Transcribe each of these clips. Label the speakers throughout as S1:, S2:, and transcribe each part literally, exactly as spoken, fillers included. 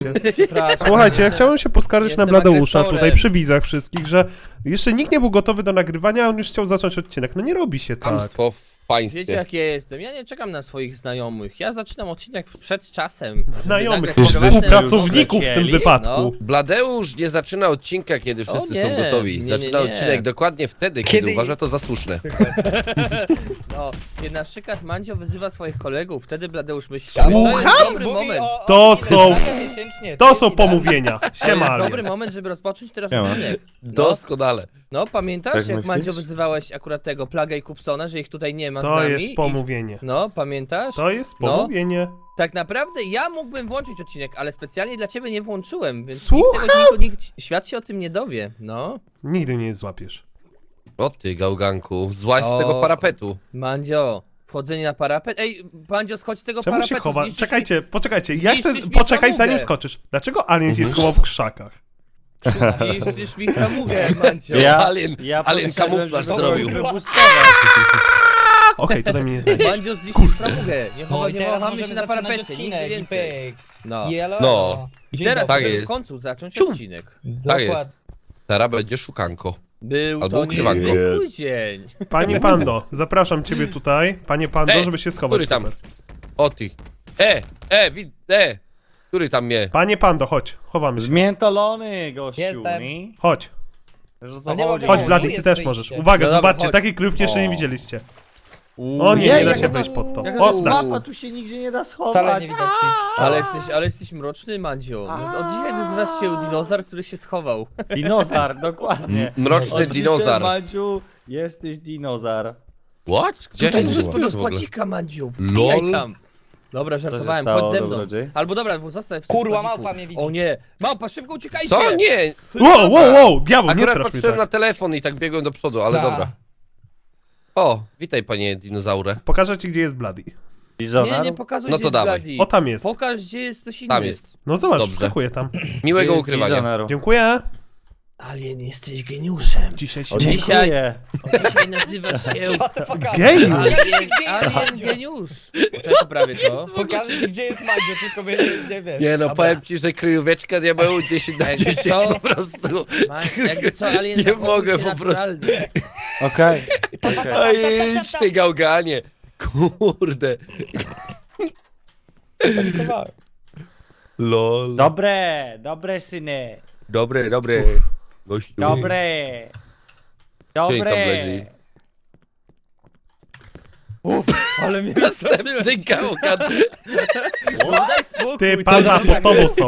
S1: Przepraszam.
S2: Słuchajcie, ja chciałem się poskarżyć na
S1: jestem
S2: Bladeusza
S1: agresorem.
S2: tutaj przy widzach wszystkich, że jeszcze nikt nie był gotowy do nagrywania, a on już chciał zacząć odcinek. No nie robi się tak.
S3: Kłamstwo w państwie.
S1: Wiecie jak ja jestem? Ja nie czekam na swoich znajomych. Ja zaczynam odcinek przed czasem. żeby
S2: Znajomych,
S1: nagrać własne
S2: współpracowników w tym
S1: odcinek.
S2: wypadku.
S1: No.
S3: Bladeusz nie zaczyna odcinka, kiedy wszyscy
S1: nie,
S3: są gotowi.
S1: nie, nie,
S3: Zaczyna
S1: nie.
S3: odcinek dokładnie wtedy, kiedy,
S4: Kiedy-
S3: uważa to za słuszne.
S1: No, kiedy na przykład Mandzio wyzywa swoich kolegów, wtedy Bladeusz myśli,
S2: Słucham?
S1: to jest dobry
S4: Mówi
S1: moment.
S4: o- o
S2: To
S4: ile
S2: są-
S4: zdania miesięcznie,
S2: To
S4: jest
S2: są
S4: idealne.
S2: pomówienia.
S1: To jest
S2: Siema,
S1: dobry
S2: Alien.
S1: moment, żeby rozpocząć teraz
S5: Siema.
S1: odcinek. No,
S3: Doskonale.
S1: no pamiętasz
S5: Tak
S1: jak
S5: myślisz?
S1: Mandzio wyzywałeś akurat tego Plagę i Kupsona, że ich tutaj nie ma z
S2: To
S1: nami?
S2: jest
S1: i-
S2: pomówienie.
S1: No, pamiętasz?
S2: To jest
S1: No.
S2: pomówienie.
S1: Tak naprawdę ja mógłbym włączyć odcinek, ale specjalnie dla ciebie nie włączyłem, więc
S2: Słucham?
S1: nikt tego, nikt, nikt, świat się o tym nie dowie, no.
S2: Nigdy nie złapiesz.
S3: O ty, gałganku, złaź z
S1: Och.
S3: tego parapetu.
S1: Mandzio, wchodzenie na parapet. Ej, Mandzio, schodź z tego
S2: Czemu
S1: parapetu.
S2: się chowa?
S1: zniszczysz
S2: Czekajcie, poczekajcie. Ja chcę
S1: zniszczysz mi
S2: poczekać
S1: framugę.
S2: zanim skoczysz. Dlaczego Alien się schował w krzakach?
S1: Mi, zniszczysz mi framugę, Mandzio.
S5: Ja-
S3: Alien,
S5: Ja
S3: alien
S5: podszedłem,
S3: kamuflaż
S5: żeby
S3: zrobił.
S5: wybustować.
S2: Okej, tutaj mnie nie znajdziesz.
S1: Mandzio, zniszczysz framugę. Nie,
S4: No
S1: chowa,
S4: i
S1: nie
S4: teraz
S1: chowamy się
S4: możemy
S1: na
S4: zaczynać
S1: parapecie, nigdy
S4: odcinek i
S1: więcej.
S4: pyk.
S1: No.
S4: Jelo.
S3: No.
S1: I
S4: Dzień
S1: teraz
S4: dobry.
S3: Tak
S1: możemy
S3: jest.
S1: w końcu zacząć
S3: Ciu.
S1: odcinek.
S3: Tak
S4: Dokładnie.
S3: jest. Teraz będzie szukanko.
S1: Był
S3: Albo
S1: to
S3: ukrywanko.
S1: niezwykły dzień.
S2: Panie Pando, zapraszam ciebie tutaj. Panie Pando,
S3: Ej,
S2: żeby się schować.
S3: który tam?
S2: Super.
S3: O ty. E, e, wid, e. Który tam mnie?
S2: Panie Pando, chodź. Chowamy się.
S5: Zmiętolony, gościu.
S4: Jestem.
S5: nie?
S2: Chodź.
S5: Wiesz, o
S4: A
S5: co
S4: nie ma
S5: chodzi?
S2: Chodź,
S4: tu
S2: Blady, ty
S4: jest
S2: też
S4: wyjście.
S2: możesz. Uwaga,
S1: No dobra,
S2: zobaczcie,
S1: chodź.
S2: takiej kryjówki jeszcze nie
S5: O.
S2: widzieliście.
S5: Uuu,
S2: O nie,
S5: jej,
S2: nie da
S5: jak
S2: się
S5: ona-
S2: wejść pod to.
S1: jak
S2: O,
S1: ona-
S2: dasz.
S5: Mapa tu się nigdzie nie da schować.
S4: Wcale nie widać nic.
S1: Ale jesteś, ale jesteś mroczny, Mandzio. No, od dzisiaj nazywasz się dinozaur, który się schował.
S5: Dinozaur, dokładnie.
S3: M- Mroczny
S5: Od dzisiaj,
S3: dinozaur.
S5: Maciu, jesteś dinozaur.
S3: What? Gdzie
S1: Tutaj
S3: się
S1: możesz
S3: zgubiłem
S1: do
S3: w ogóle?
S1: składzika, Mandziu. Wbijaj
S3: Lol.
S1: tam. Dobra, żartowałem,
S5: stało,
S1: chodź ze mną.
S5: dobrodziej?
S1: Albo dobra, zostań w tym
S4: Kurwa,
S1: składziku.
S4: małpa mnie widzi.
S1: O nie, małpa, szybko uciekajcie!
S3: Co? Nie!
S2: Wow, wow, wow, diabeł, nie
S3: Akurat
S2: strasz mnie
S3: patrzyłem
S2: tak.
S3: na telefon i tak biegłem do przodu, ale
S4: Ta.
S3: dobra. O, witaj panie dinozaurze.
S2: Pokażę ci, gdzie jest Bloody.
S1: Nie,
S5: Dinozaur?
S1: nie pokazuj,
S3: No
S1: gdzie
S3: to
S1: jest
S3: dawaj.
S1: Bloody.
S2: O, tam jest.
S1: Pokaż, gdzie jest ktoś inny.
S3: Tam jest.
S2: No zobacz,
S3: Dobrze.
S2: wskakuję tam.
S3: Miłego
S5: Jest
S3: ukrywania.
S5: Dinozaur.
S2: Dziękuję.
S1: Alien, jesteś geniuszem.
S2: Dzisiaj się...
S5: O,
S1: Dzisiaj-
S5: dziękuję.
S1: Dzisiaj nazywasz się...
S4: Shut the fuck up.
S2: Gej!
S1: Alien,
S4: Gdzie jest
S1: alien
S4: Mandzio?
S1: geniusz. To prawie to.
S4: Pokażę ci, gdzie jest Mandzio, tylko mnie nie, nie wiesz.
S3: Nie no,
S1: Dobra.
S3: powiem ci, że kryjóweczka diabeł dziesięć na
S1: Jakby
S3: dziesięć
S1: co?
S3: po prostu.
S1: Ma, jakby co, Alien
S3: Nie
S1: zachowuj
S3: mogę
S1: się
S3: po prostu.
S1: naturalnie.
S5: Okej. okej.
S3: A idź ty gałganie. Kurde.
S4: Panikowałem.
S3: Lol.
S5: Dobre, dobre syny.
S3: Dobre, dobre. Gościu.
S5: Dobre.
S3: tam
S5: Dobre.
S3: leży?
S1: Ale mnie
S3: Następny gałgan
S1: Daj spokój.
S2: Ty, Panda, pod tobą są.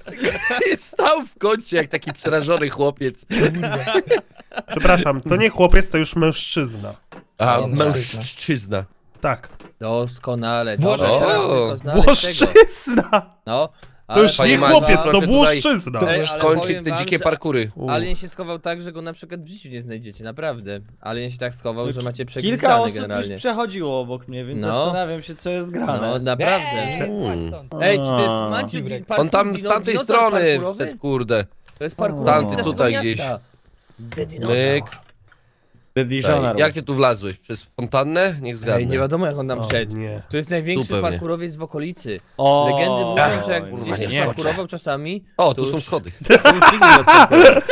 S3: stał w kącie jak taki przerażony chłopiec.
S2: Przepraszam, to nie chłopiec, to już mężczyzna.
S3: A,
S4: O,
S3: mężczyzna.
S2: Tak.
S1: Doskonale.
S4: Włożę
S1: Dobra,
S3: teraz.
S1: teraz
S3: O,
S1: tylko znaleźć tego.
S2: Włoszczyzna!
S1: No.
S2: To
S1: ale
S2: już
S3: Panie
S2: nie
S3: Mandzio,
S2: chłopiec, to
S3: proszę tutaj-
S2: włoszczyzna.
S1: Ej, ale
S3: Skończyć
S1: powiem
S3: te
S1: wam,
S3: dzikie
S1: że-
S3: parkury.
S2: U.
S1: Alien się schował tak, że go na przykład w życiu nie znajdziecie, naprawdę. Alien się tak schował, że macie
S5: Kilka
S1: przegwizdane
S5: osób
S1: generalnie.
S5: już przechodziło obok mnie, więc
S1: No.
S5: zastanawiam się, co jest
S1: No,
S5: grane.
S1: naprawdę.
S4: Eee, złaź stąd.
S1: Ej, czy to jest
S5: A.
S1: Manciu
S4: Dziurek.
S1: parkour,
S3: On tam z
S1: dino-
S3: tamtej
S1: dinozaur
S3: strony
S1: parkurowy?
S3: wszedł, kurde.
S1: To jest parkour
S5: Tamty
S1: z naszego
S3: tutaj
S1: miasta.
S3: gdzieś.
S1: The dinozaur.
S3: Myk.
S5: The
S3: Ej,
S5: Dijoner.
S3: jak ty tu wlazłeś? Przez fontannę? Niech
S1: Ej, nie
S3: zgadnę.
S1: wiadomo jak on tam
S2: O,
S1: wszedł.
S2: nie.
S1: To jest największy
S3: Tu pewnie.
S1: parkurowiec w okolicy.
S5: O,
S1: Legendy mówią, że jak
S3: kurwa,
S1: gdzieś
S3: nie
S1: nie
S3: skoczę.
S1: parkurował czasami...
S3: O,
S1: to
S3: tu są
S1: już-
S3: schody.
S1: to już nigdy nie odparkował.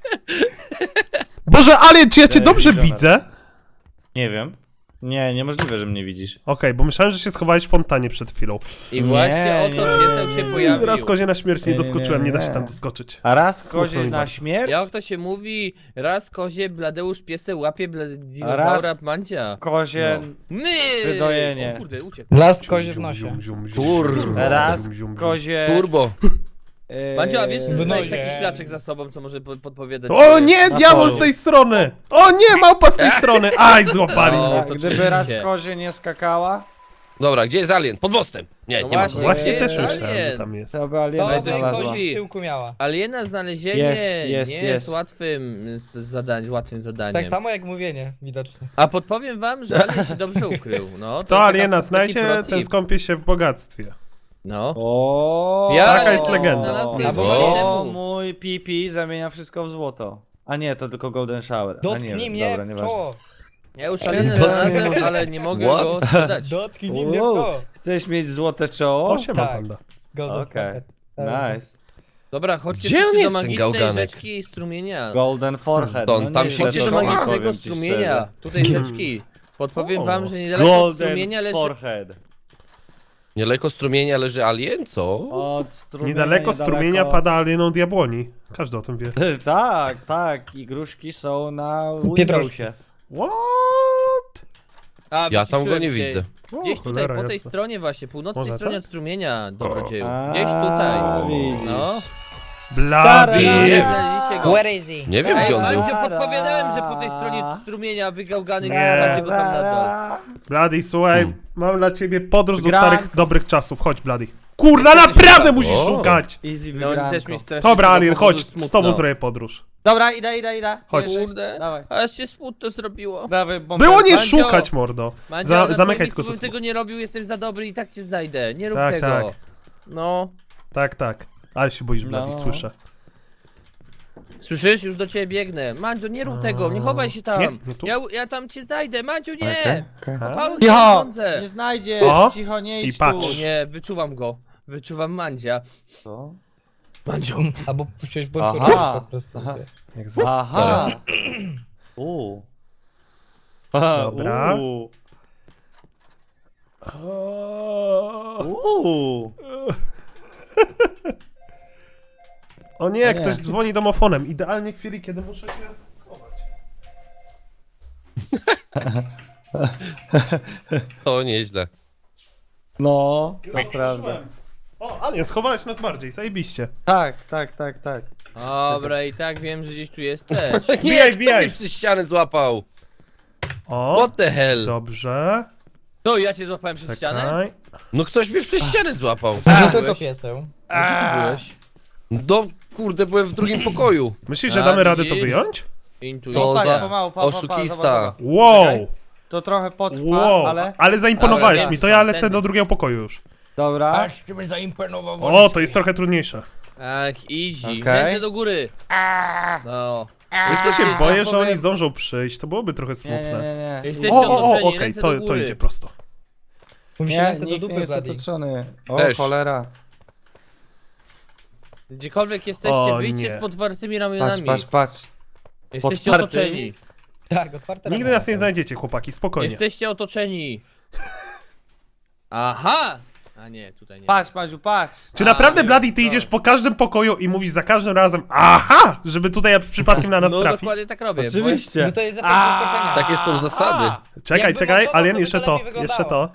S2: Boże, Alien, czy ja cię
S5: Ej,
S2: dobrze
S5: Dijoner.
S2: widzę? Okej,
S5: Nie wiem. Nie, niemożliwe, że mnie widzisz.
S2: bo myślałem, że się schowałeś w fontannie przed chwilą.
S1: I właśnie
S5: Nie,
S1: oto
S5: nie,
S1: piesek
S5: nie,
S1: się
S5: nie.
S1: pojawił.
S2: Raz kozie na śmierć nie
S5: Nie, nie,
S2: doskoczyłem, nie da się
S5: nie.
S2: tam doskoczyć.
S5: A raz
S2: Smutno
S5: kozie
S2: mi
S5: na
S2: bardzo.
S5: śmierć,
S1: Jak to się mówi, raz kozie Bladeusz piesę łapie bla...
S5: A
S1: dinozaura
S5: raz-
S1: Mandzia.
S5: kozie...
S1: My!
S5: Wydojenie.
S1: O kurde, uciekł.
S4: Las kozie w nosie.
S2: Zium, zium, zium,
S3: Kur-
S2: zium,
S5: Raz
S2: zium, zium, zium.
S5: kozie...
S3: Turbo.
S5: e,
S1: Mandzio, a wiesz, że
S4: W
S1: znaleźć
S4: nozie.
S1: taki szlaczek za sobą, co może po- podpowiadać...
S2: O
S1: że-
S2: nie,
S5: Na
S2: diabeł
S5: polu.
S2: z tej strony! O nie, małpa z tej strony! Aj, złapali
S1: O,
S2: mnie.
S5: a
S1: to
S5: Gdyby raz
S1: oczywiście.
S5: kozie nie skakała,
S3: Dobra, gdzie jest alien? Pod mostem. Nie,
S1: No
S3: nie ma.
S1: właśnie.
S2: Właśnie
S1: Nie,
S2: też
S1: alien.
S2: myślałem, że tam jest.
S5: to by aliena
S4: To by
S5: znalazła.
S4: kozi w tyłku miała.
S1: Aliena znalezienie
S5: Jest, jest,
S1: nie
S5: jest.
S1: jest łatwym z- zadań, łatwym zadaniem.
S4: Tak samo jak mówienie, widocznie.
S1: A podpowiem wam, że Alien się dobrze ukrył. No, to
S2: To
S1: jest
S2: aliena
S1: taka- taki
S2: znajdzie,
S1: pro tip.
S2: ten skąpie się w bogactwie.
S1: No.
S5: O,
S1: Ja
S2: Taka jest
S1: to
S2: legenda.
S1: znalazłem
S4: Albo
S1: dwa dni
S5: O,
S1: temu.
S5: mój pipi zamienia wszystko w złoto. A nie, to tylko golden shower. A
S4: Dotknij
S5: nie,
S4: mnie
S5: dobra,
S4: w
S5: nieważne.
S4: czoło.
S1: Ja już Alienę
S3: Dotknij
S1: znalazłem, ale nie mogę
S3: What?
S1: go sprzedać.
S4: Dotknij mnie w
S5: Wow,
S4: czoło.
S5: Chcesz mieć złote czoło?
S2: O, siema
S4: tak.
S2: panda.
S4: Golden
S5: Okej.
S4: Fucker.
S5: Nice.
S1: Dobra, chodźcie
S3: Gdzie on
S1: wszyscy do
S3: jest, ten
S1: magicznej
S3: gałganek?
S1: rzeczki i strumienia.
S5: Golden forehead.
S3: To on
S5: no
S3: tam
S5: nieźle
S3: siedzi
S1: Chodźcie
S5: to
S1: do
S3: do
S5: powiem
S1: magicznego
S5: ci
S1: strumienia.
S5: szczerze.
S1: Tutaj rzeczki. Podpowiem
S2: O.
S1: wam, że niedaleko
S5: Golden
S1: strumienia leży...
S5: forehead.
S3: Niedaleko strumienia leży alien, co?
S5: Od strumienia
S2: Niedaleko strumienia pada alieną diabłoni. Każdy o tym wie.
S5: Tak, tak. I gruszki są na
S4: Pietruszki.
S5: Windowsie.
S2: What?
S1: A,
S3: Ja tam go
S1: wyciszyłem
S3: nie
S1: się.
S3: widzę.
S1: Gdzieś
S2: O,
S1: tutaj,
S2: cholera
S1: po tej
S2: jasna.
S1: stronie właśnie, północnej
S2: Może
S1: stronie
S2: tak?
S1: od strumienia, dobrodzieju.
S5: A,
S1: Gdzieś tutaj.
S5: widzisz.
S1: No.
S2: Blady.
S3: Nie.
S1: Nie znaleźliście go.
S4: Where is he?
S3: Nie wiem,
S1: Ej,
S3: gdzie on był.
S1: Mandzio, podpowiadałem, że po tej stronie strumienia wygałgany
S2: Nie.
S1: szukacie go tam na dole.
S2: Blady, słuchaj, mam dla ciebie podróż do
S5: Gra-
S2: starych, dobrych czasów. Chodź, Blady. Kurna,
S1: Jesteś
S2: naprawdę
S1: tam.
S2: musisz
S3: O.
S2: szukać!
S5: Easy
S1: No oni
S5: wygranko.
S1: też mi strasznie
S2: Dobra,
S1: z tego
S2: Alien,
S1: powodu
S2: chodź,
S1: smutno.
S2: z tobą zrobię podróż.
S5: Dobra, idę, idę, idę.
S2: Chodź.
S5: Jesteś?
S1: Kurde,
S5: Dawaj.
S1: aż się smutno zrobiło.
S5: Dawaj, bombę.
S2: Było nie
S1: Mandzio.
S2: szukać, mordo.
S1: Mandzio,
S2: Za,
S1: na
S2: zamykaj
S1: twoim
S2: tylko
S1: miejscu
S2: ze
S1: bym tego nie robił, jestem za dobry i tak cię znajdę. Nie rób
S2: Tak,
S1: tego.
S2: tak.
S1: No.
S2: Tak, tak. Ale się boisz, Blady,
S5: No.
S2: słyszę.
S1: Słyszysz? Już do ciebie biegnę. Mandzio, nie rób tego, nie chowaj się tam.
S2: Nie, nie tu?
S1: Ja, ja tam cię znajdę, Mandziu, nie!
S5: Okej, okej.
S1: Paweł,
S5: Cicho!
S1: sądzę.
S5: Nie znajdziesz,
S2: O,
S5: cicho, nie
S2: i
S5: idź
S2: patrz.
S5: tu.
S1: O nie, wyczuwam go. Wyczuwam Mandzia.
S5: Co?
S1: Mandzio.
S4: Albo przecież byłem
S5: Aha.
S4: kurwa po prostu.
S5: Aha.
S2: Jak za...
S5: Aha. Uuu. Aha,
S2: Dobra.
S5: Uuu.
S2: O
S5: Uuu.
S2: O nie,
S5: O nie.
S2: ktoś dzwoni domofonem. Idealnie w chwili, kiedy muszę się schować.
S3: O, nieźle.
S5: No,
S2: Już
S5: to prawda.
S2: otworzyłem. O, Alien, schowałeś nas bardziej, zajebiście.
S5: Tak, tak, tak, tak.
S1: Dobra, i tak wiem, że gdzieś tu jesteś.
S3: Nie,
S2: Wbijaj,
S3: kto
S2: wbijaj.
S3: mnie przez ścianę złapał?
S2: O,
S3: What the hell?
S2: dobrze.
S1: To ja cię złapałem przez ścianę?
S2: Czekaj.
S3: No ktoś mnie przez ścianę złapał.
S4: Nie
S1: byłeś?
S4: tylko pieseł.
S1: A gdzie ty byłeś?
S3: No, kurde, byłem w drugim pokoju.
S2: Myślisz, że
S1: A,
S2: damy radę to
S1: widzisz?
S2: wyjąć?
S1: Intuicja.
S3: To
S5: tak,
S3: za
S5: pomału, pa, pa, pa,
S3: oszukista.
S5: zobacz, zobacz.
S2: Wow!
S5: Czekaj. To trochę potrwa,
S2: Wow,
S5: ale...
S2: ale zaimponowałeś
S1: Ale
S2: mi, to ja lecę
S1: tamtędy.
S2: do drugiego pokoju już.
S5: Dobra.
S4: ciebie zaimponował.
S2: O, to jest trochę trudniejsze.
S1: Tak, easy.
S5: Okej.
S1: Ręce do góry. No.
S2: Wiesz co, się
S1: Wiesz,
S2: boję,
S1: ja
S2: że
S1: powiem-
S2: oni zdążą przyjść, to byłoby trochę
S5: Nie,
S2: smutne.
S5: nie, nie, nie.
S1: Jesteście
S2: O, o, o,
S1: otoczeni,
S2: okej,
S1: ręce
S2: to,
S1: do
S2: to
S1: góry.
S2: idzie prosto.
S4: Mówi się
S5: Nie,
S4: ręce do
S5: nikt nie
S4: dupy,
S5: jest
S4: Blady.
S5: otoczony. O,
S3: Też.
S5: cholera.
S1: Gdziekolwiek jesteście,
S2: O,
S1: wyjdźcie
S2: nie.
S1: z podwartymi
S5: Patrz,
S1: ramionami.
S5: patrz, patrz.
S1: Jesteście
S5: Podwartymi?
S1: otoczeni.
S4: Tak, otwarte
S2: Nigdy
S4: ramiona
S2: nas nie
S4: są.
S2: znajdziecie, chłopaki, spokojnie.
S1: Jesteście otoczeni. Aha! A nie, tutaj nie.
S5: Patrz, Madziu, patrz.
S2: Czy
S1: A,
S2: naprawdę,
S1: nie,
S2: Blady, ty
S1: to-
S2: idziesz po każdym pokoju i mówisz za każdym razem aha, żeby tutaj przypadkiem na nas
S1: No
S2: trafić?
S1: dokładnie tak robię.
S5: Oczywiście.
S4: No to jest efekt zaskoczenia.
S3: Takie są zasady.
S2: Czekaj,
S4: Jakby
S2: czekaj,
S4: montował,
S2: Alien,
S4: to by
S2: jeszcze
S4: to
S2: to,
S4: lepiej wyglądało.
S2: jeszcze to.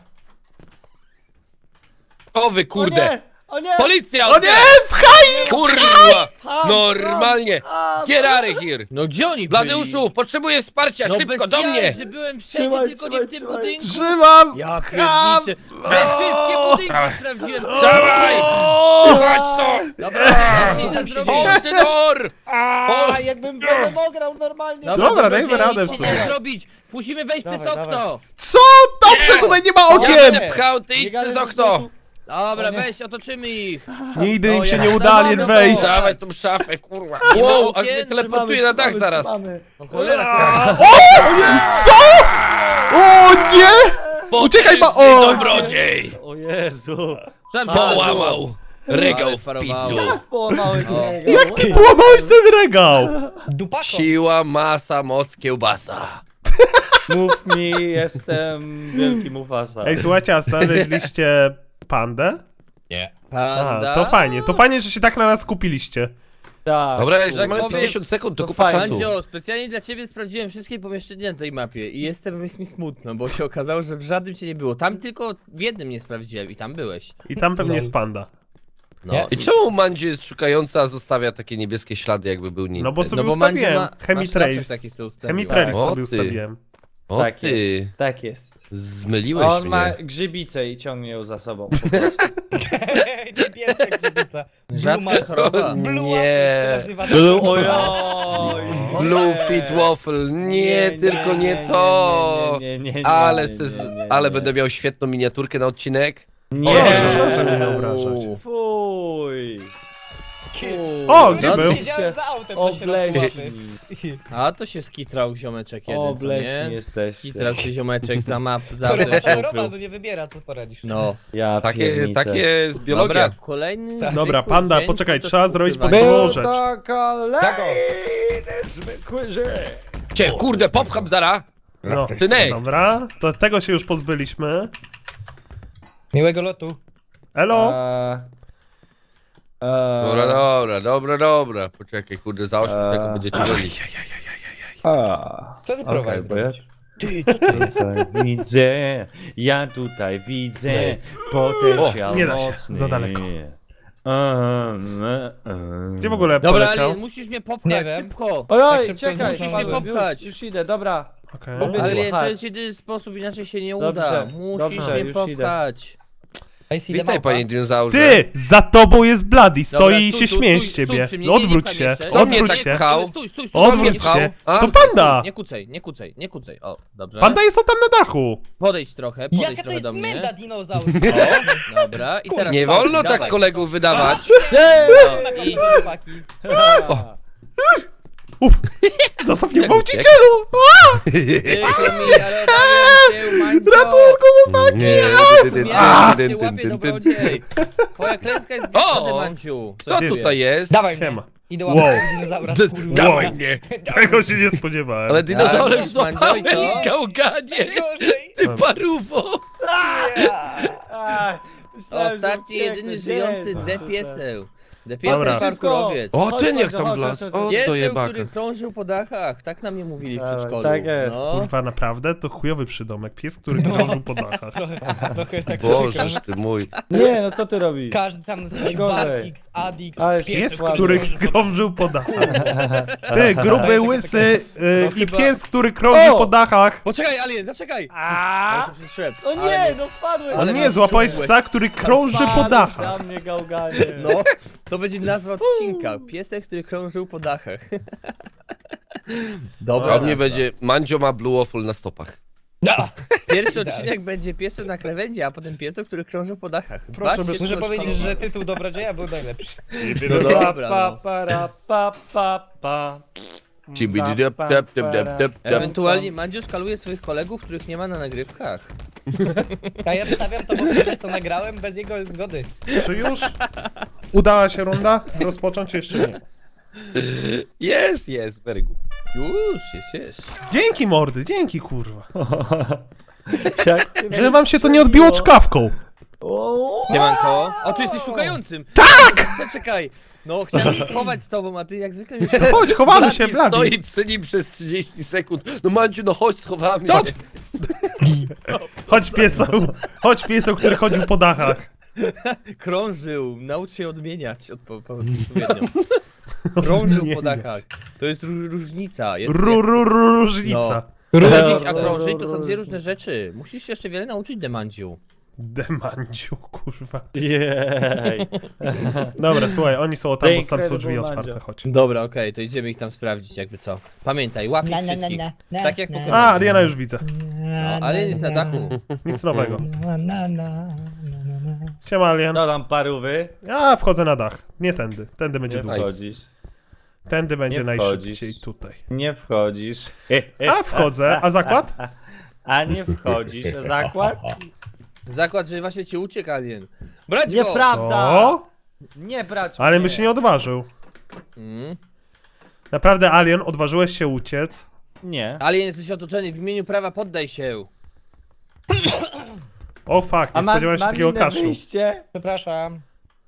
S3: O wy kurde!
S5: O nie! O nie!
S3: Policja!
S2: O nie, pchaj!
S3: Kurwa! Normalnie!
S5: A,
S3: Get out of here!
S1: No gdzie oni byli?
S3: Bladeuszu, potrzebuję wsparcia,
S1: no
S3: szybko,
S1: bez
S3: do
S1: jaj,
S3: mnie!
S1: że byłem wszędzie,
S5: Trzymaj,
S1: tylko nie
S5: trzymaj,
S1: w tym
S5: trzymaj.
S1: budynku.
S2: Trzymam!
S1: Ja
S2: Pcham!
S1: pierniczę. We wszystkie budynki sprawdziłem.
S3: Dawaj! Chodź to!
S1: Dobra, ja się idę
S3: Hold
S1: zrobić.
S3: the door!
S5: A, jakbym Venom grał normalnie.
S1: Dobra,
S2: Dobra,
S1: będzie
S2: dajmy radę
S1: nic
S2: w
S1: się
S2: sumie.
S1: nie zrobić. Musimy wejść
S5: Dawaj,
S1: przez okno.
S5: dawaj.
S2: Co? Dobrze, tutaj nie ma
S3: Ja
S2: okien!
S3: będę pchał, ty idź
S5: Biegamy
S3: przez
S5: do
S3: okno!
S5: sklepu.
S1: Dobra,
S5: O nie.
S1: weź, otoczymy ich.
S2: Nigdy
S1: No,
S2: im się
S1: jak
S2: nie uda,
S1: dawamy
S2: Alien,
S1: to-
S2: wejść!
S3: Dawaj tą szafę, kurwa!
S1: Nie ma
S3: Wow,
S1: okien,
S3: aż mnie teleportuje na dach zaraz!
S5: Trzymamy.
S1: No cholera.
S2: Co? O nie! Uciekaj, ba-
S3: Potężny
S2: o!
S3: dobrodziej!
S5: O Jezu.
S1: Tam
S3: Połamał regał
S1: Ale
S3: w
S1: parowało.
S3: pizdu!
S5: Połamałeś
S1: O.
S5: niego.
S2: Jak ty połamałeś ten regał?
S4: Dupako.
S3: Siła, masa, moc, kiełbasa.
S5: Mów mi, jestem wielki Mufasa.
S2: Ej, słuchajcie, a znaleźliście pandę?
S4: Nie.
S2: A,
S1: Panda.
S2: to fajnie, to fajnie, że się tak na nas skupiliście.
S5: Tak.
S3: Dobra, jeszcze
S1: Tak
S3: mamy
S1: powiem,
S3: pięćdziesiąt sekund, to
S5: to
S3: kupa
S5: fajnie.
S3: czasu.
S1: Mandzio, specjalnie dla ciebie sprawdziłem wszystkie pomieszczenia na tej mapie i jestem, jest mi smutno, bo się okazało, że w żadnym cię nie było. Tam tylko w jednym nie sprawdziłem i tam byłeś.
S2: I tam pewnie
S4: Lol.
S2: jest panda.
S1: No.
S4: Nie.
S3: I czemu Mandzie jest szukająca, a zostawia takie niebieskie ślady, jakby był nim?
S2: No bo sobie
S1: No bo Mandzio
S2: ustawiłem
S1: ma, ma
S2: Chemitrails.
S1: szlaczek taki sobie ustawił.
S2: Chemitrails
S3: O,
S2: sobie
S3: ty.
S2: ustawiłem.
S3: O
S5: Tak
S3: ty,
S5: jest. Tak jest.
S3: zmyliłeś
S5: On
S3: mnie.
S5: ma grzybicę i ciągnie ją za sobą.
S4: Niebieska grzybica.
S1: Rzadka choroba.
S4: Blue
S3: Nie.
S4: Waffle się nazywa.
S5: Ojoj!
S3: Blue Fit Waffle, nie, tylko nie to.
S5: Nie, nie, nie, nie,
S3: Ale,
S5: nie,
S3: se,
S5: nie,
S3: z-
S5: nie, nie.
S3: ale będę miał świetną miniaturkę na odcinek.
S5: Nie!
S2: Proszę mnie nie obrażać.
S5: Fuj!
S2: O, gdzie
S1: No,
S2: był?
S4: Siedziałem za autem na środku
S5: Obleśni.
S4: mapy.
S1: A to się skitrał ziomeczek jeden, co
S5: Obleśni
S1: nie?
S5: jesteście.
S1: Skitrał się ziomeczek za map, za
S4: Kurwa,
S1: tym się
S4: to Roman
S1: ukrył.
S4: to nie wybiera, co poradzisz.
S1: No.
S5: Ja
S3: Takie,
S5: pierniczę.
S3: takie jest biologia.
S1: Dobra, kolejny
S2: Dobra,
S1: zwykły
S2: panda,
S1: dzień
S2: poczekaj,
S1: podczas
S2: trzeba zrobić
S1: ukrywania.
S2: podstawową
S5: Był
S2: rzecz.
S5: to
S4: Tak, o.
S5: kolejny zwykły żyć.
S3: Cię, kurde, popcham zara.
S2: No,
S3: Synek.
S2: dobra, to tego się już pozbyliśmy.
S4: Miłego lotu.
S2: Elo?
S5: Eee, eee,
S3: Dobra, dobra, dobra, dobra. Poczekaj, kurde, za osiem
S5: Eee.
S3: sekund będziecie gonić.
S5: a,
S4: Co ty
S5: okej,
S4: próbowałeś
S5: bo ja
S4: zrobić?
S5: tutaj widzę, ja tutaj widzę
S3: Nie.
S5: potencjał
S2: nie da się,
S5: mocny.
S2: za daleko.
S5: Eee, eee.
S2: Gdzie w ogóle
S1: Dobra,
S2: poleciał?
S1: ale musisz mnie popchać,
S4: Nie wiem.
S1: szybko!
S5: Ojoj,
S4: Tak szybko
S5: czekaj,
S4: zdążyłem.
S5: Paweł,
S1: popchać.
S5: już, już idę, dobra.
S2: Okej.
S5: Powiedz-
S1: Ale to
S5: Chodź.
S1: jest jedyny sposób, inaczej się nie
S5: Dobrze,
S1: uda. Musisz
S5: dobrze,
S1: mnie
S5: już
S1: popchać.
S4: I see the
S3: Witaj,
S4: małpa.
S3: panie dinozaurze.
S2: Ty! Za tobą jest Bloody, stoi
S1: Dobra,
S2: i
S1: stój,
S2: się
S1: stój,
S2: śmieje
S1: stój,
S2: z ciebie.
S1: stój przy mnie,
S2: No
S1: nie, nie
S2: odwróć
S1: pchaj
S2: się,
S1: mnie jeszcze.
S3: Kto mnie
S2: odwróć
S3: tak
S2: się.
S3: pchał?
S1: Stój, stój, stój.
S2: Odwróć
S1: nie,
S2: się.
S3: A?
S2: To panda!
S1: Nie kucej, nie kucej, nie kucej. O, dobrze.
S2: Panda jest to tam na dachu.
S1: Podejdź trochę, podejdź
S4: Jaka to
S1: trochę
S4: jest
S1: do mnie.
S4: menda dinozaur?
S1: O, dobra, i teraz
S3: Nie
S1: patrz,
S3: wolno
S1: dawaj.
S3: tak kolegów wydawać.
S5: Ej!
S1: No, i
S4: Chłopaki.
S2: Uf, zostaw mnie
S3: Jak
S2: gwałcicielu!
S1: przykro mi, ale obawiam się, Mandzio.
S2: Ratunku, chłopaki!
S3: Nie,
S1: Zmiana cię łapie dobrodziej. Twoja klęska jest bliska,
S3: O!
S1: Mandziu.
S3: Kto tutaj jest?
S4: Dawaj
S2: Siema.
S4: mnie. Idę
S2: Wow.
S4: łapać dinozaura,
S3: D-
S4: kurwa.
S3: Dawaj mnie.
S2: Tego się nie spodziewałem.
S3: Ale dinozaurem
S1: Tak,
S3: złapałem
S1: Mandzio, i co?
S3: gałganie.
S4: Gorzej.
S3: Ty paruwo.
S5: Ach, myślałem, że
S1: Ostatni,
S5: ucieknę.
S1: jedyny
S5: Gdzie
S1: żyjący
S5: jest?
S1: depieseł.
S2: Dobra.
S1: Depieseł parkurowiec.
S3: O,
S5: Chodź,
S3: ten jak
S5: chodź,
S3: tam
S5: chodź,
S3: wlazł.
S5: chodź,
S3: O,
S5: chodź.
S3: to
S1: Pieseł,
S3: jebaka.
S1: który krążył po dachach. Tak na mnie mówili w
S5: Dawaj,
S1: przedszkolu.
S5: tak jest.
S1: No.
S2: Kurwa, naprawdę? To chujowy przydomek. Pies, który krążył po dachach.
S4: Trochę tak
S3: Bożeż ty mój.
S5: Nie, no co ty robisz?
S4: Każdy tam nazywa się
S5: Najgorzej.
S4: Barkix, Adix,
S5: Ale
S4: pies,
S2: Pies,
S5: Słaby.
S2: który krążył po dachach. Ty, gruby, łysy y,
S1: No
S2: i
S1: chyba-
S2: pies, który krążył
S5: O!
S2: po dachach.
S1: Poczekaj, Alien, zaczekaj!
S5: A?
S1: Ale się przyszedłem.
S5: O nie, no wpadłeś!
S2: On
S1: Ale
S2: nie,
S1: nas
S2: złapałeś
S1: czułeś.
S2: psa, który krąży po
S5: Wpadłeś
S2: dachach.
S5: na mnie, gałganie.
S1: No, to będzie nazwa odcinka. Piesek, który krążył po dachach. Dobra.
S3: A u mnie
S1: nazwa.
S3: będzie Mandzio ma blue waffle na stopach.
S1: Pierwszy odcinek będzie piesem na krawędzi, a potem piesem, który krążył po dachach.
S2: Proszę
S1: Dwa
S2: bez-
S1: świetne
S4: Muszę powiedzieć,
S1: odcinki.
S4: że tytuł Dobrodzieja był najlepszy.
S1: No dobra,
S5: Pa,
S1: no.
S5: pa, ra, pa, pa, pa.
S3: Cibididip, dip, dip, dip, dip, dip.
S1: Ewentualnie Mandzio szkaluje swoich kolegów, których nie ma na nagrywkach.
S4: A ja wstawiam to, bo kiedyś to nagrałem bez jego zgody.
S2: Czy już udała się runda rozpocząć, czy jeszcze nie?
S3: Jest, jest, very good.
S1: Już, jest, jest.
S2: Dzięki mordy, dzięki kurwa.
S5: Jak ty
S2: Że wam się to nie odbiło czkawką.
S5: O,
S1: Nie mam koło. O, ty jesteś szukającym! Tak! Czekaj! No, chciałem się schować z tobą, a ty jak zwykle mnie...
S2: Chodź, chowamy się,
S3: Bladi
S2: Blady.
S3: stoi przy nim przez trzydzieści sekund. No Mandziu, no chodź, schowamy
S1: Co?
S3: się.
S2: Chodź pieseł, chodź pieseł, który chodził po dachach.
S1: Krążył, naucz się odmieniać odpo- po- odpowiednio. Krążył po dachach. To jest ró- różnica. Jest
S2: Ru, ru, ru, różnica.
S1: Chodzić, a krążyć to są dwie różne rzeczy. Musisz się jeszcze wiele nauczyć, Demandziu.
S2: Demanciu, kurwa.
S5: Jej.
S2: Dobra, słuchaj, oni są tam,
S5: The
S2: bo tam są drzwi
S5: Incredible
S2: otwarte,
S5: Mandzio.
S2: chodź.
S1: Dobra, okej, to idziemy ich tam sprawdzić, jakby co. Pamiętaj, łap ich wszystkich. Tak jak Pokémon.
S2: A, Ariana już widzę.
S1: No, ale jest na dachu.
S2: Nic nowego.
S4: Na, na, na, na.
S2: Siema, Alien.
S5: No tam parówy.
S2: Ja wchodzę na dach. Nie tędy. Tędy będzie
S5: Nie
S2: dłużej.
S5: wchodzisz.
S2: Tędy będzie
S5: Nie
S2: najszybciej
S5: wchodzisz.
S2: tutaj.
S5: Nie wchodzisz.
S2: A wchodzę, a zakład?
S5: A nie wchodzisz. Zakład?
S1: Zakład, że właśnie ci uciekł, Alien. Brać go!
S5: Nieprawda!
S2: O?
S5: Nie brać
S2: Ale by
S5: mnie.
S2: się nie odważył.
S1: Mm.
S2: Naprawdę, Alien, odważyłeś się uciec?
S5: Nie.
S1: Alien, jesteś otoczony, w imieniu prawa poddaj się.
S2: O fuck, nie
S5: A mam,
S2: spodziewałem się
S5: mam
S2: takiego
S5: inne
S2: kaszlu.
S5: wyjście?
S4: Przepraszam.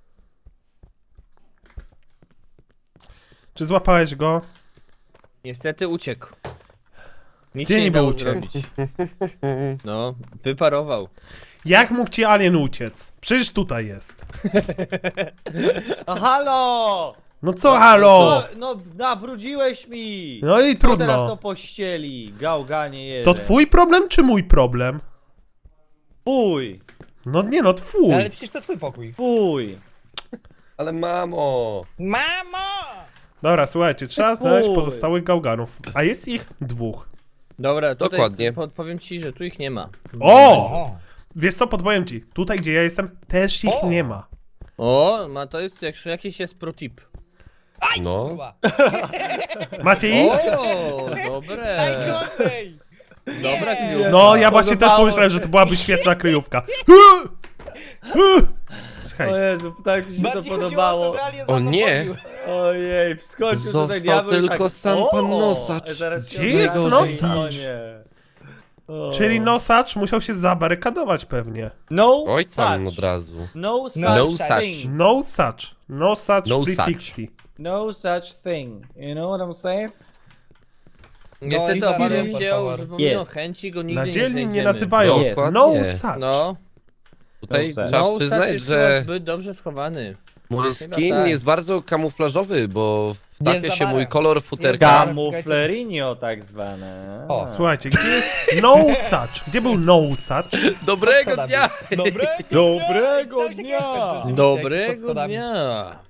S2: Czy złapałeś go?
S1: Niestety uciekł. Nic
S2: Gdzie
S1: się nie
S2: niby
S1: dało
S2: uciekł?
S1: zrobić. No, wyparował.
S2: Jak mógł ci Alien uciec? Przecież tutaj jest.
S5: No halo!
S2: No co, halo?
S5: Co? No nabrudziłeś mi!
S2: No i
S5: Kto teraz to
S2: trudno.
S5: pościeli? Gałganie jeden.
S2: To twój problem, czy mój problem?
S5: Twój!
S2: No nie no, twój.
S4: Ale przecież to twój pokój.
S5: Twój!
S3: Ale mamo.
S4: Mamo!
S2: Dobra, słuchajcie, trzeba znaleźć
S5: Fuj.
S2: pozostałych gałganów. A jest ich dwóch.
S1: Dobra, tutaj
S3: Dokładnie.
S1: jest, podpowiem ci, że tu ich nie ma.
S2: O!
S4: O!
S2: Wiesz co, podpowiem ci. Tutaj, gdzie ja jestem, też ich
S4: O!
S2: nie ma.
S1: O, ma to jest jak, jakiś jest pro tip.
S3: No.
S4: Kurwa.
S2: Macie ich?
S1: O, dobre.
S4: Najgorzej!
S1: Dobra,
S4: Nie.
S1: kryjówka.
S2: No, ja właśnie też
S5: Podobało
S2: pomyślałem,
S5: się.
S2: że to byłaby świetna kryjówka.
S5: O
S2: Słuchaj,
S5: Jezu, tak mi się to
S4: Bardziej chodziło o
S5: podobało.
S4: to, że Alien
S3: O nie.
S4: zapowiedził.
S5: Ojej, wskoczył
S3: Został
S5: tutaj diabeł i
S3: tylko
S5: tak,
S3: sam
S5: o,
S3: pan Nosacz.
S5: zaraz się
S2: Gdzie jest
S5: okaże,
S2: Nosacz?
S5: o nie. O.
S2: czyli nosacz musiał się zabarykadować pewnie.
S5: No
S3: Oj tam
S5: such.
S3: od razu.
S5: No such
S3: No
S5: thing.
S3: such.
S2: No such. No such
S3: No
S2: three
S3: such.
S2: sixty.
S5: No such thing. You know what I'm saying?
S1: Niestety
S4: No i
S1: obawiam
S4: dalej.
S1: się, że pomimo
S5: Jest.
S1: chęci go nigdy
S2: Na
S1: nie
S2: dzielni nie
S1: znajdziemy.
S2: nazywają.
S5: Jest.
S2: No
S3: Dokładnie.
S2: such.
S1: No,
S3: Tutaj
S5: No,
S3: trzeba
S1: no
S3: przyznać,
S1: jest
S3: że
S1: zbyt dobrze schowany.
S3: mój
S1: Chyba
S3: skin
S1: tak.
S3: jest bardzo kamuflażowy, bo
S4: Nie
S3: wtapia się
S4: zawarę.
S3: mój kolor
S4: Nie
S3: futerka.
S4: zawarę.
S5: Camuflerinio tak zwane.
S4: O.
S2: Słuchajcie, gdzie jest no such? Gdzie był no such?
S3: Dobrego
S4: Pod
S3: dnia!
S4: schodami. Dobre?
S5: Dobrego
S4: Jestem ciekawy,
S5: dnia!
S4: co rzeczywiście, jak pod
S1: Dobrego
S4: schodami.
S1: dnia.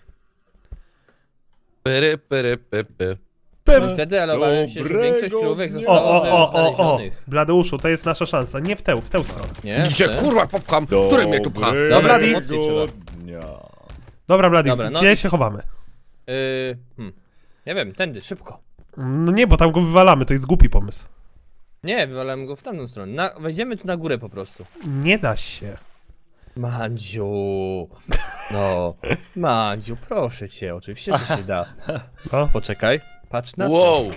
S3: Pyry, pyry, py, py.
S2: Pym.
S1: Niestety, ale obawiam się, że
S5: Dobrego
S1: większość krówek
S5: dnia.
S2: O,
S1: została
S2: o, o, o, o.
S1: znalezionych.
S2: Bladeuszu, to jest nasza szansa. Nie w tę, w tę stronę.
S1: Nie?
S3: Gdzie
S1: Ty?
S3: kurwa popcham? Który mnie tu pcha?
S2: Dobra, Bladi.
S1: mocniej trzeba.
S5: dnia.
S2: Dobra, Bladi,
S1: Dobra, no
S2: gdzie
S1: i-
S2: się chowamy?
S1: Yy, hmm. Nie wiem, tędy, szybko.
S2: No nie, bo tam go wywalamy, to jest głupi pomysł.
S1: Nie, wywalamy go w tamtą stronę. Na, wejdziemy tu na górę po prostu.
S2: Nie da się.
S1: Mandziu. No. Mandziu, proszę cię, oczywiście, że się da.
S2: No.
S1: Poczekaj, patrz na to.
S3: Wow!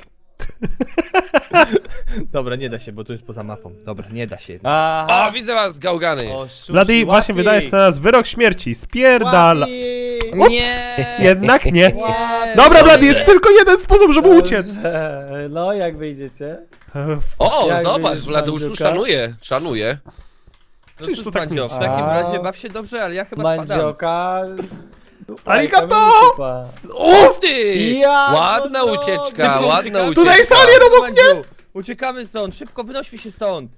S1: Dobra, nie da się, bo tu jest poza mapą. Dobra, nie da się.
S5: Aha.
S3: O, widzę was, gałgany!
S5: O, sushi,
S2: Bladi, właśnie
S5: łapi.
S2: wydajesz na nas wyrok śmierci. Spierdala.
S5: Łapi.
S2: Ups.
S1: Nie!
S2: Jednak nie.
S1: Nie!
S2: Dobra, Bladi, jest tylko jeden sposób, żeby uciec.
S5: Dobrze. No, jak wyjdziecie?
S3: O,
S5: Jak
S3: zobacz,
S5: widzisz,
S3: Bladeuszu
S5: Mandziuka?
S3: szanuje, szanuje.
S1: No
S2: Czyż
S1: cóż,
S2: to tak
S1: Mandzio,
S2: nic?
S1: w takim
S5: A.
S1: razie baw się dobrze, ale ja chyba spadam.
S5: Mandzioka.
S2: Arigato!
S5: Supa.
S3: O ty!
S5: Ja,
S3: Ładna
S5: no
S3: ucieczka,
S5: dobra.
S3: ładna ucieczka.
S2: Tutaj jest alien obok mnie!
S1: Mandziu, uciekamy stąd, szybko wynośmy się stąd.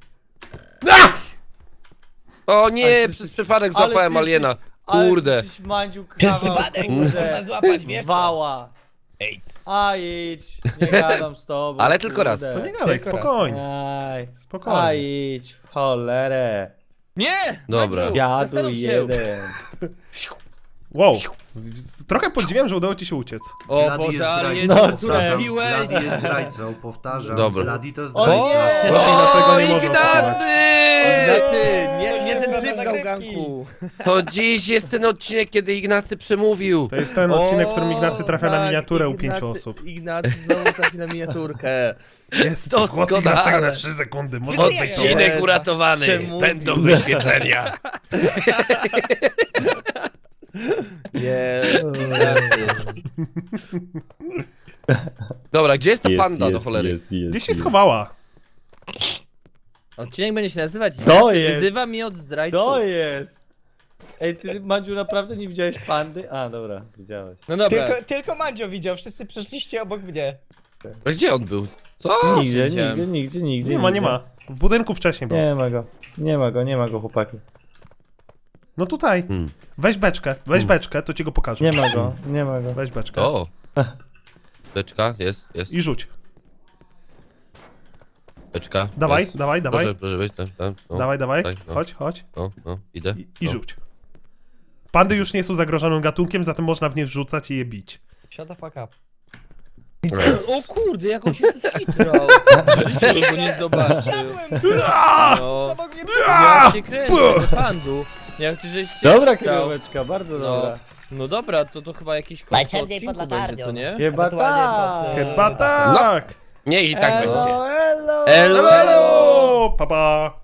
S3: O
S5: Ale
S3: nie,
S5: ty
S3: przez
S5: jesteś-
S3: przypadek
S5: ale
S3: złapałem
S5: ty
S3: aliena.
S5: jesteś- ale
S3: Kurde.
S5: ty jesteś, Mandziu,
S4: Przez
S5: kawał,
S4: przypadek
S5: kurde.
S4: można złapać, wiesz co?
S5: Wała.
S4: AIDS.
S5: A idź, nie gadam z tobą.
S3: Ale tylko raz.
S5: kurde.
S2: To nie gadaj,
S4: Tylko raz.
S2: spokojnie.
S5: Aj, a
S2: Spokojnie.
S5: idź w cholerę.
S1: Nie!
S3: Dobra.
S1: Mandziu,
S5: Jadu
S1: zastanów się.
S5: jeden.
S2: Wow. Trochę podziwiam, że udało ci się uciec.
S1: O
S6: Bladi jest
S1: Boże, ale
S6: zdrajcą,
S1: jedno
S5: No,
S6: powtarzam.
S1: trafiłeś.
S6: Bladi jest zdrajcą, powtarzam.
S3: Dobra.
S6: Bladi to
S5: O
S6: zdrajca.
S5: nie!
S2: Proszę, dlaczego
S3: O,
S2: nie można
S3: Ignacy!
S1: Ignacy, nie,
S4: To
S1: nie
S4: się
S1: ten
S4: zgadza
S1: tryb
S4: nagrywki.
S1: gałganku.
S3: To dziś jest ten odcinek, kiedy Ignacy przemówił.
S2: To jest ten odcinek, w którym Ignacy trafia na
S1: tak,
S2: miniaturę u
S1: Ignacy-
S2: pięciu osób.
S1: Ignacy znowu trafi na miniaturkę.
S2: Jest
S3: Doskonale.
S2: głos Ignacego na trzy sekundy. Może
S4: Wszyscy
S2: być
S4: jak
S2: to.
S3: Odcinek
S1: Jezu,
S3: uratowany.
S1: przemówił.
S3: Będą wyświetlenia.
S1: Jest, Ignacy.
S3: Dobra, gdzie jest ta panda do cholery?
S2: Gdzie się schowała?
S1: Odcinek będzie się nazywać
S5: To
S1: Ignacy
S5: jest.
S1: wyzywa mnie od zdrajców.
S5: To jest. Ej, ty, Mandziu, naprawdę nie widziałeś pandy? A, dobra, widziałeś.
S1: No dobra.
S4: Tylko, tylko Mandzio widział, wszyscy przeszliście obok mnie.
S3: A gdzie on był? Co?
S5: Nigdzie,
S1: widziałem.
S5: nigdzie, nigdzie, nigdzie.
S2: Nie ma, nie
S5: nigdzie.
S2: ma. W budynku wcześniej był.
S5: Nie ma go. Nie ma go, nie ma go, chłopaki.
S2: No tutaj.
S3: Hmm.
S2: Weź beczkę, weź beczkę, to ci go pokażę.
S5: Nie ma go, nie ma go.
S2: Weź beczkę.
S3: O. Beczka, jest, jest.
S2: I rzuć.
S3: Beczka.
S2: Dawaj,
S3: jest.
S2: dawaj, dawaj.
S3: Proszę, proszę być. Tam, tam, no,
S2: Dawaj, dawaj.
S3: tutaj, no.
S2: Chodź, chodź.
S3: No, no, idę.
S2: I, i
S3: no.
S2: rzuć. Pandy już nie są zagrożonym gatunkiem, zatem można w nie wrzucać i je bić.
S4: Shut the fuck up.
S1: O kurde, jak on się tu skitrał. Życie go nie zobaczył.
S4: Siadłem!
S1: No.
S4: Obok mnie
S1: Ja się kręcę, do pandu. Jak ty żeś się
S5: Dobra,
S1: skitrał.
S5: kryjóweczka, bardzo
S1: No.
S5: dobra.
S1: No dobra, to to chyba jakiś koniec
S4: Najciemniej
S1: odcinku
S4: pod
S1: będzie,
S4: latarnią.
S1: co nie?
S5: Chyba
S4: Ewentualnie
S5: tak.
S4: pod, e,
S2: Chyba tak.
S3: Niech i tak będzie.
S5: Elo, elo.
S1: Elo,
S2: Elo, elo. Pa, pa.